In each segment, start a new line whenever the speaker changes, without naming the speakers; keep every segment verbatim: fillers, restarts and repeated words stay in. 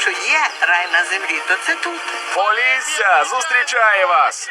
Якщо є рай на землі, то це тут.
Полісся зустрічає вас!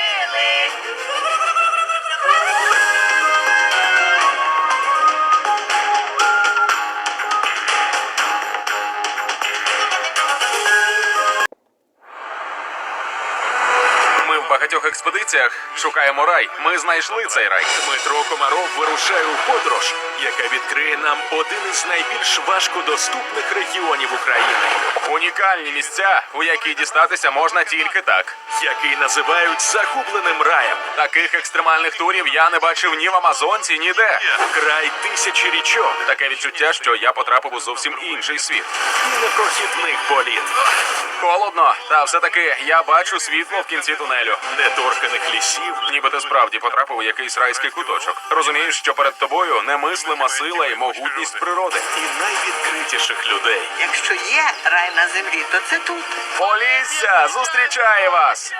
Ми в багатьох експедиціях шукаємо рай. Ми знайшли цей рай.
Дмитро Комаров вирушає у подорож, яка відкриє нам один із найбільш важкодоступних регіонів України,
Унікальні місця, у які дістатися можна тільки так.
який називають загубленим раєм.
Таких екстремальних турів я не бачив ні в Амазонці, ніде.
Край тисячі річок
Таке відчуття, що я потрапив у зовсім інший світ.
і непрохідний політ,
Холодно, та все-таки я бачу світло в кінці тунелю.
неторканих лісів,
Ніби ти справді потрапив у якийсь райський куточок. Розумієш, що перед тобою немислима сила і могутність природи.
і найвідкритіших людей.
Якщо є рай на землі, то це тут.
Полісся зустрічає вас!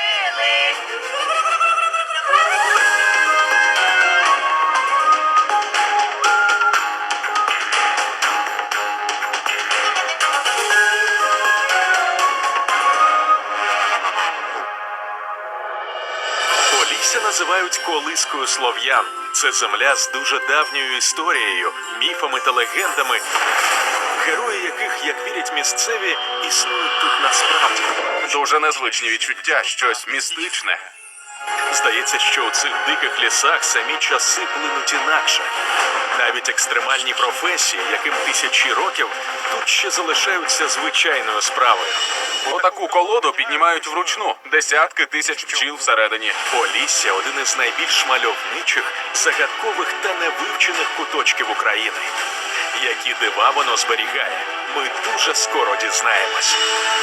Полісся називають колискою слов'ян. Це земля з дуже давньою історією, міфами та легендами, герої яких, як вірять місцеві, існують тут насправді.
Дуже незвичні відчуття, щось містичне.
Здається, що у цих диких лісах самі часи плинуть інакше. Навіть екстремальні професії, яким тисячі років, тут ще залишаються звичайною справою.
Отаку колоду піднімають вручну. Десятки тисяч пчіл всередині.
Полісся – один із найбільш мальовничих, загадкових та невивчених куточків України. Які дива воно зберігає, ми дуже скоро дізнаємось.